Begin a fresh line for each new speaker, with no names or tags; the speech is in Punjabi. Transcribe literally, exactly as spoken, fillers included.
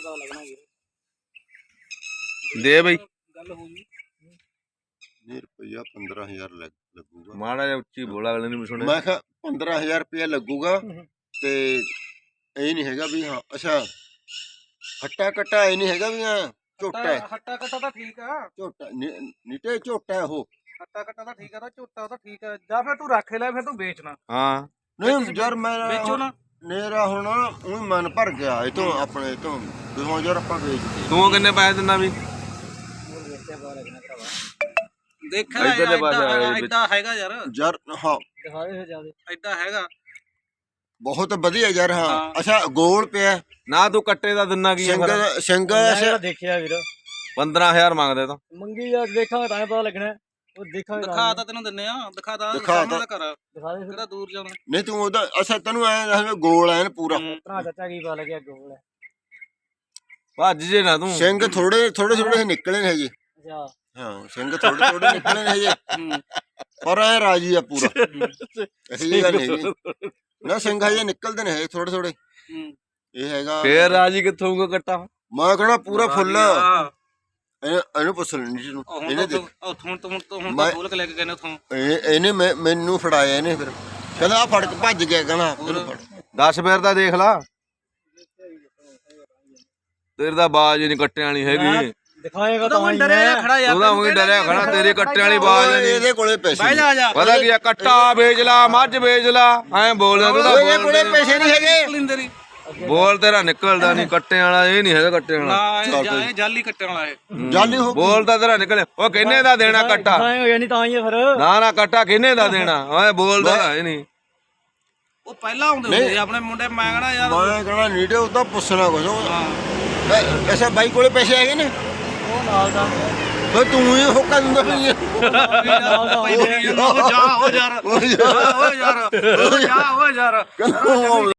ਪਤਾ ਲੱਗਣਾ ਵੀਰ
ਦੇ ਬਈ
ਗੱਲ ਹੋ ਗਈ
ਨਹੀਂ ਰੁਪਈਆ ਪੰਦਰਾਂ ਹਜ਼ਾਰ ਲੱਗੂਗਾ।
ਮਾੜਾ ਜਿਹਾ ਉੱਚੀ ਬੋਲ, ਅਗਲੇ ਨੂੰ ਵੀ ਸੁਣੇ।
ਮੈਂ ਕਿਹਾ ਪੰਦਰਾਂ ਹਜ਼ਾਰ ਰੁਪਇਆ ਲੱਗੂਗਾ ਤੇ ਇਹ ਨਹੀਂ ਹੈਗਾ ਵੀ ਹਾਂ ਅੱਛਾ ਹੱਟਾ ਕੱਟਾ ਇਹ ਨਹੀਂ ਹੈਗਾ ਵੀ ਹਾਂ ਝੋਟਾ ਹੈ।
ਹੱਟਾ ਕੱਟਾ ਤਾਂ ਠੀਕ ਆ,
ਝੋਟਾ ਨੀਟੇ ਝੋਟਾ ਹੈ ਉਹ।
ਹੱਟਾ ਕੱਟਾ ਤਾਂ ਠੀਕ ਆ, ਤਾਂ ਝੋਟਾ ਤਾਂ ਠੀਕ ਆ। ਜਾਂ ਫਿਰ ਤੂੰ ਰੱਖ ਲੈ, ਫਿਰ ਤੂੰ ਵੇਚਣਾ।
ਹਾਂ
ਨਹੀਂ ਯਾਰ ਮੈਂ
ਵੇਚੋ ਨਾ,
ਮੇਰਾ ਹੁਣ ਉਹ ਮਨ ਭਰ ਗਿਆ ਇਹ ਤੋਂ ਆਪਣੇ ਤੋਂ ਵੀ ਹੁਣ ਯਾਰ ਆਪਾਂ ਵੇਚਦੇ।
ਤੂੰ ਕਿੰਨੇ ਪੈਸੇ ਦਿੰਦਾ ਵੀ?
ਦੇਖਿਆ
ਇੱਧਰਲੇ ਪਾਸੇ ਆਏ ਵਿੱਚ।
ਏਦਾਂ ਹੈਗਾ ਯਾਰ,
ਯਾਰ ਹਾਂ
ਏਦਾਂ ਹੈਗਾ
ਬਹੁਤ ਵਧੀਆ ਯਾਰ। ਹਾਂ
ਹਾਂ।
ਅੱਛਾ ਗੋਲ ਪਿਆ
ਨਾ ਤੂੰ ਕੱਟੇ ਦਾ ਦਿੰਦਾ ਕੀ ਆ ਫਿਰ?
ਸਿੰਗਲ ਸਿੰਗਲ
ਦੇਖਿਆ ਵੀਰ,
ਪੰਦਰਾਂ ਹਜ਼ਾਰ ਮੰਗਦੇ ਤਾਂ।
ਮੰਗੀ ਯਾਰ ਦੇਖਾਂਗੇ ਤਾਂ ਪਤਾ ਲੱਗਣਾ। ਉਹ ਦੇਖਾਂਗੇ, ਦਿਖਾ ਤਾਂ ਤੈਨੂੰ ਦਿੰਨੇ ਆ, ਦਿਖਾ ਤਾਂ
ਦਿਖਾ ਤਾਂ
ਕਰ, ਦਿਖਾ ਦੇ ਕਿਹੜਾ ਦੂਰ ਜਾਣਾ।
ਨਹੀਂ ਤੂੰ ਉਹਦਾ ਅੱਛਾ ਤੈਨੂੰ ਐ ਗੋਲ ਐਨ ਪੂਰਾ
ਭਰਾ ਚਾਚਾ ਕੀ ਪਤਾ ਲੱਗਿਆ ਗੋਲ ਹੈ।
ਭੱਜ ਜੇ ਨਾ ਤੂੰ।
ਸਿੰਘ ਥੋੜੇ ਥੋੜੇ ਥੋੜੇ ਨਿਕਲੇ ਨੇ ਹਜੇ।
ਅੱਛਾ
ਹਾਂ ਸਿੰਘ ਥੋੜੇ ਥੋੜੇ ਨਿਕਲੇ ਨੇ ਹਜੇ ਪਰ ਐ ਰਾਜੀ ਆ ਪੂਰਾ। ਇਹੀ ਗੱਲ ਹੈਗੀ ਨਾ, ਸਿੰਘ ਹਜੇ ਨਿਕਲਦੇ ਨੇ ਹਜੇ ਥੋੜੇ ਥੋੜੇ। ਇਹ ਹੈਗਾ
ਫੇਰ ਰਾਜੀ ਕਿੱਥੋਂ ਹੋਊਗਾ ਕੱਟਾ?
ਮੈਂ ਕਹਣਾ ਪੂਰਾ ਫੁੱਲ। ਇਹਨੂੰ ਪੁੱਛ ਲੈਣੀ ਜਿਹਨੂੰ ਇਹਨੇ ਦੇਖ
ਹੁਣ ਤੋਂ ਹੁਣ ਤੋਂ ਹੁਣ ਤਾਂ ਖੋਲ ਕੇ ਲੈ ਕੇ ਗਏ ਨੇ ਉਥੋਂ।
ਇਹਨੇ ਮੈਨੂੰ ਫੜਾਇਆ ਇਹਨੇ ਫਿਰ ਕਹਿੰਦਾ ਆ ਫੜ ਕੇ ਭੱਜ ਗਿਆ ਕਹਿੰਦਾ ਤੈਨੂੰ ਫੜ।
ਦਸ ਫੇਰ ਤਾਂ ਦੇਖ ਲਾ, ਤੇਰੇ ਦਾ ਬਾਜ ਨਹੀਂ ਕੱਟਿਆਂ ਵਾਲੀ ਹੈਗੀ।
ਦਿਖਾਏਗਾ ਤਾਂ ਹੀ ਡਰਿਆ ਖੜਾ ਯਾਰ,
ਉਹਦਾ ਉਹੀ ਡਰਿਆ ਖੜਾ, ਤੇਰੇ ਕੱਟਿਆਂ ਵਾਲੀ ਬਾਜ ਨਹੀਂ।
ਇਹਦੇ ਕੋਲੇ ਪੈਸੇ
ਬਹਿ ਜਾ ਜਾ,
ਪਤਾ ਕੀ ਆ, ਕੱਟਾ ਵੇਚ ਲਾ, ਮੱਝ ਵੇਚ ਲਾ, ਐਂ ਬੋਲਦਾ ਤੂੰ ਤਾਂ।
ਇਹਦੇ ਕੋਲੇ ਪੈਸੇ ਨਹੀਂ ਹੈਗੇ।
ਬੋਲ ਤੇਰਾ ਨਿਕਲਦਾ ਨਹੀਂ ਕੱਟਿਆਂ ਵਾਲਾ, ਇਹ ਨਹੀਂ ਹੈਗਾ ਕੱਟਿਆਂ ਵਾਲਾ।
ਨਾ ਇਹ ਜਾਲੀ ਕੱਟਣ ਵਾਲਾ ਇਹ
ਜਾਲੀ ਹੋ
ਬੋਲਦਾ ਤੇਰਾ ਨਿਕਲੇ। ਉਹ ਕਿੰਨੇ ਦਾ ਦੇਣਾ ਕੱਟਾ?
ਹੋ ਗਿਆ ਨਹੀਂ ਤਾਂ ਹੀ ਫਿਰ।
ਨਾ ਨਾ ਕੱਟਾ ਕਿੰਨੇ ਦਾ ਦੇਣਾ? ਓਏ ਬੋਲਦਾ ਇਹ ਨਹੀਂ।
ਉਹ ਪਹਿਲਾਂ ਆਉਂਦੇ ਹੁੰਦੇ ਸੀ ਆਪਣੇ ਮੁੰਡੇ। ਮੈਂ ਕਹਣਾ ਯਾਰ,
ਮੈਂ ਕਹਣਾ ਨੀਡੇ ਉਹਦਾ ਪੁੱਛਣਾ ਕੁਛ। ਐਸਾ ਬਾਈ ਕੋਲੇ ਪੈਸੇ ਹੈਗੇ ਨੇ?
ਉਹ ਨਾਲ ਦਾ
ਫਿਰ ਤੂੰ ਹੀ ਹੁੱਕਾ ਦਿੰਦਾ ਪਈ ਹੈ।
ਨਾਲ ਦਾ ਹੋ ਜਾ, ਹੋ ਯਾਰ, ਹੋ ਯਾਰ, ਹੋ ਯਾਰ, ਹੋ ਯਾਰ।